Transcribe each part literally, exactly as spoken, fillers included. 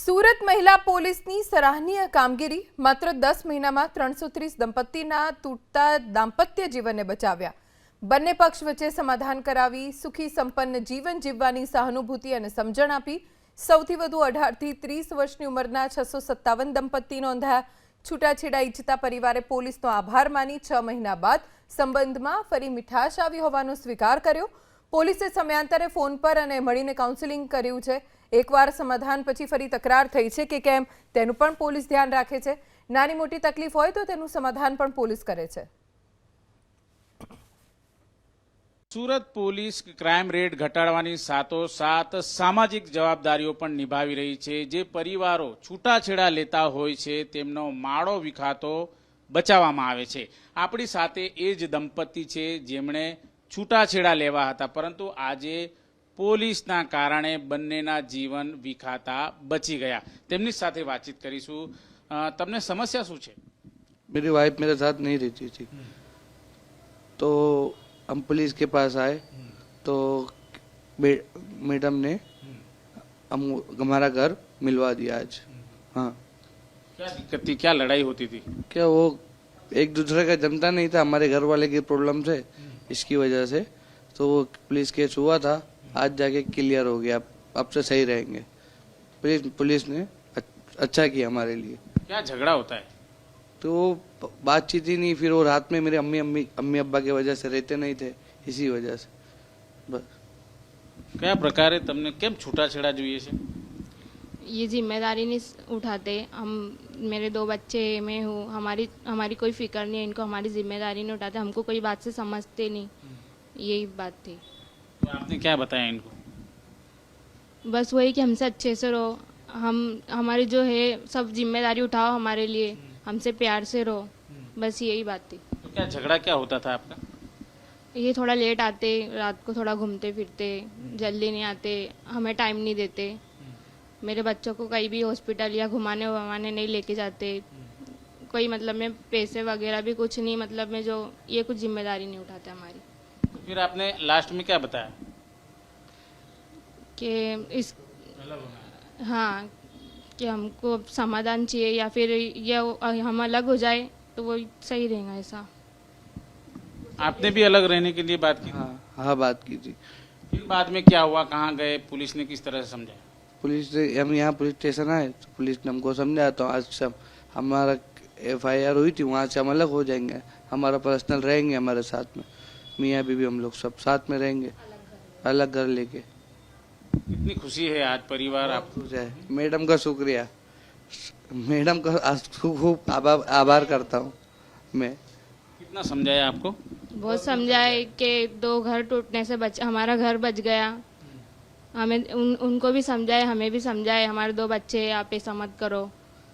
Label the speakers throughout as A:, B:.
A: સુરત મહિલા પોલીસની સરાહનીય કામગીરી માત્ર દસ મહિનામાં ત્રણસો ત્રીસ દંપતીના તૂટતા દાંપત્ય જીવનને બચાવ્યા। બંને પક્ષ વચ્ચે સમાધાન કરાવી સુખી સંપન્ન જીવન જીવવાની સહાનુભૂતિ અને સમજણ આપી સૌથી વધુ અઢાર થી ત્રીસ વર્ષની ઉંમરના છસો સત્તાવન દંપતી નોંધાયા। છૂટાછેડા ઈચ્છતા પરિવારે પોલીસનો આભાર માની છ મહિના બાદ સંબંધમાં ફરી મીઠાશ આવી હોવાનો સ્વીકાર કર્યો। પોલીસે સમયાંતરે ફોન પર અને મળીને કાઉન્સેલિંગ કર્યું છે। એકવાર સમાધાન પછી ફરી તકરાર થઈ છે કે કેમ તેનું પણ પોલીસ ધ્યાન રાખે છે। નાની મોટી તકલીફ હોય તો તેનું સમાધાન પણ પોલીસ કરે છે।
B: સુરત પોલીસ ક્રાઇમ રેટ ઘટાડવાની સાથોસાથ સામાજિક જવાબદારીઓ પણ નિભાવી રહી છે। જે પરિવારો છૂટાછેડા લેતા હોય છે તેમનો માળો વિખાતો બચાવવામાં આવે છે। આપણી સાથે એ જ દંપતી છે જેમણે છૂટાછેડા લેવા હતા, પરંતુ આજે પોલીસના કારણે બંનેના જીવન વિખાતા બચી ગયા। તેમની સાથે વાતચીત કરીશું। તમને સમસ્યા શું છે?
C: मेरी वाइफ मेरे साथ नहीं रहती थी, तो हम पुलिस के पास आए तो मैडम ने हम हमारा घर मिलवा दिया आज। हाँ,
B: क्या दिक्कत थी, क्या लड़ाई होती थी?
C: क्या वो एक दूसरे का जमता नहीं था, हमारे घर वाले की प्रॉब्लम से, इसकी वजह से तो वो पुलिस केस हुआ था। आज जाके क्लियर हो गया, अब से सही रहेंगे। पुलिस पुलिस ने अच्छा किया हमारे लिए।
B: क्या झगड़ा होता है?
C: तो वो बातचीत ही नहीं, फिर वो रात में मेरे अम्मी अम्मी अम्मी अब्बा की वजह से रहते नहीं थे, इसी वजह से बस।
B: क्या प्रकारे तमने केम छूटाछेड़ा જોઈએ છે?
D: ये जिम्मेदारी नहीं उठाते हम। मेरे दो बच्चे मैं हूँ, हमारी हमारी कोई फिक्र नहीं है इनको, हमारी जिम्मेदारी नहीं उठाते, हमको कोई बात से समझते नहीं, यही बात थी।
B: तो आपने क्या बताया इनको?
D: बस वही कि हमसे अच्छे से रहो, हम हमारी जो है सब जिम्मेदारी उठाओ हमारे लिए, हमसे प्यार से रहो, बस यही बात थी।
B: तो क्या झगड़ा क्या होता था आपका?
D: ये थोड़ा लेट आते, रात को थोड़ा घूमते फिरते, जल्दी नहीं आते, हमें टाइम नहीं देते, मेरे बच्चों को कहीं भी हॉस्पिटल या घुमाने वमाने नहीं लेके जाते, कोई मतलब में पैसे वगैरह भी कुछ नहीं, मतलब में जो ये कुछ जिम्मेदारी नहीं उठाते हमारी।
B: तो फिर आपने लास्ट में क्या बताया?
D: कि इस हाँ कि हमको समाधान चाहिए या फिर ये हम अलग हो जाए तो वो सही रहेगा ऐसा।
B: आपने भी अलग रहने के लिए बात की?
C: हाँ हाँ बात की थी।
B: फिर बाद में क्या हुआ, कहाँ गए, पुलिस ने किस तरह से समझाया?
C: पुलिस ने हम यहाँ पुलिस स्टेशन आए तो पुलिस ने हमको समझाया, तो आज से हमारा एफ आई आर हुई थी, वहाँ से हम अलग हो जाएंगे, हमारा पर्सनल रहेंगे हमारे साथ में, मियाँ बीवी हम लोग सब साथ में रहेंगे, अलग घर लेके।
B: कितनी खुशी है आज परिवार आप?
C: खुश है। मैडम का शुक्रिया, मैडम का आज खूब आभार आभार करता हूँ मैं।
B: कितना समझाया आपको?
D: बहुत समझाए कि दो घर टूटने से बच हमारा घर बच गया, हमें उन उनको भी समझाए, हमें भी समझाए, हमारे दो बच्चे हैं, आप ऐसा मत करो,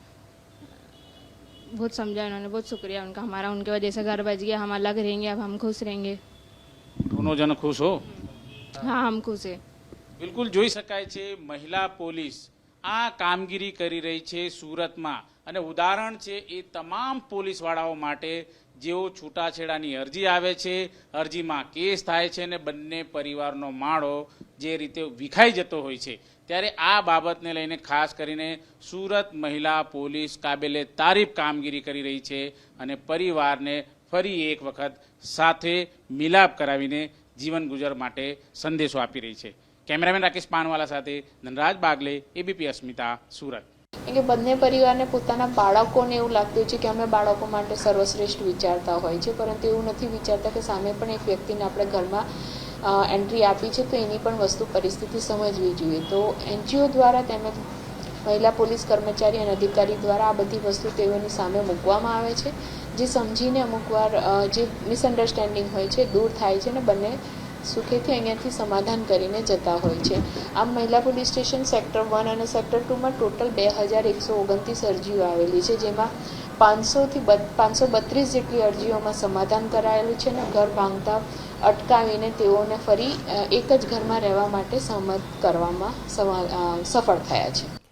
D: बहुत समझाया उन्होंने, बहुत शुक्रिया उनका, हमारा उनके वजह से घर बच गया, हम अलग रहेंगे, अब हम खुश रहेंगे।
B: दोनों जन खुश हो?
D: हाँ हम खुश है।
B: બિલકુલ જોઈ શકાય છે મહિલા પોલીસ આ કામગીરી કરી રહી છે સુરતમાં, અને ઉદાહરણ છે એ તમામ પોલીસવાળાઓ માટે જેઓ છૂટાછેડાની અરજી આવે છે, અરજીમાં કેસ થાય છે અને બંને પરિવારનો માળો જે રીતે વિખાઈ જતો હોય છે, ત્યારે આ બાબતને લઈને ખાસ કરીને સુરત મહિલા પોલીસ કાબેલે તારીફ કામગીરી કરી રહી છે અને પરિવારને ફરી એક વખત સાથે મિલાપ કરાવીને જીવન ગુજર માટે સંદેશો આપી રહી છે। કેમેરામેન રાકેશ પાનવાલા સાથે ધનરાજ બાગલે, એબીપી અસ્મિતા, સુરત।
E: કે બંને પરિવારને પોતાના બાળકોને એવું લાગતું છે કે અમે બાળકો માટે સર્વશ્રેષ્ઠ વિચારતા હોય છે, પરંતુ એવું નથી વિચારતા કે સામે પણ એક વ્યક્તિને આપણે ઘરમાં એન્ટ્રી આપી છે તો એની પણ વસ્તુ પરિસ્થિતિ સમજવી જોઈએ। તો એનજીઓ દ્વારા તેમજ મહિલા પોલીસ કર્મચારી અને અધિકારી દ્વારા આ બધી વસ્તુ તેઓની સામે મૂકવામાં આવે છે, જે સમજીને અમુકવાર જે મિસઅન્ડરસ્ટેન્ડિંગ હોય છે દૂર થાય છે અને બંને સુખેથી અહીંયાથી સમાધાન કરીને જતા હોય છે। આમ મહિલા પોલીસ સ્ટેશન સેક્ટર વન અને સેક્ટર ટુમાં ટોટલ બે હજાર એકસો ઓગણત્રીસ અરજીઓ આવેલી છે, જેમાં પાંચસોથી પાંચસો બત્રીસ જેટલી અરજીઓમાં સમાધાન કરાયેલું છે અને ઘર ભાંગતા અટકાવીને તેઓને ફરી એક જ ઘરમાં રહેવા માટે સહમત કરવામાં સફળ થયા છે।